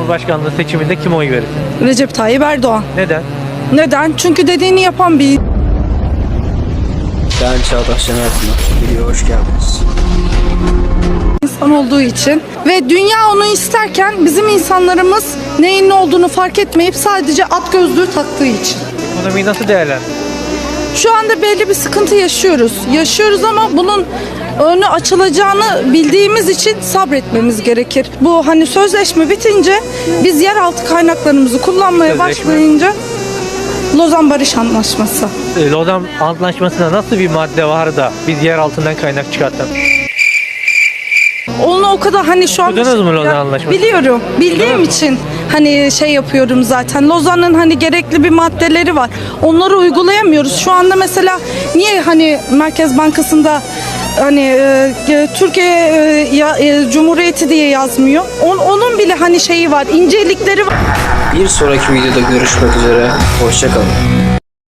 Cumhurbaşkanlığı seçiminde kime oy verirsin? Recep Tayyip Erdoğan. Neden? Neden? Çünkü dediğini yapan bir Ben Çağdaş Şener Pınar. Videoya hoş geldiniz. insan olduğu için ve dünya onu isterken bizim insanlarımız neyin ne olduğunu fark etmeyip sadece at gözlüğü taktığı için. Ekonomiyi nasıl değerlendiriyorsun? Şu anda belli bir sıkıntı yaşıyoruz. Yaşıyoruz ama bunun önü açılacağını bildiğimiz için sabretmemiz gerekir. Bu hani sözleşme bitince biz yeraltı kaynaklarımızı kullanmaya Sözleşme. başlayınca Lozan Barış Antlaşması. Lozan Antlaşması'nda nasıl bir madde var da biz yer altından kaynak çıkartalım? Onu o kadar hani şu an Okudunuz mu Lozan Antlaşması'nı? biliyorum. Bildiğim Okudunuz mu? için hani şey yapıyorum zaten. Lozan'ın hani gerekli bir maddeleri var. Onları uygulayamıyoruz. Şu anda mesela niye hani Merkez Bankası'nda hani Türkiye Cumhuriyeti diye yazmıyor. Onun bile hani şeyi var, incelikleri var. Bir sonraki videoda görüşmek üzere. Hoşça kalın.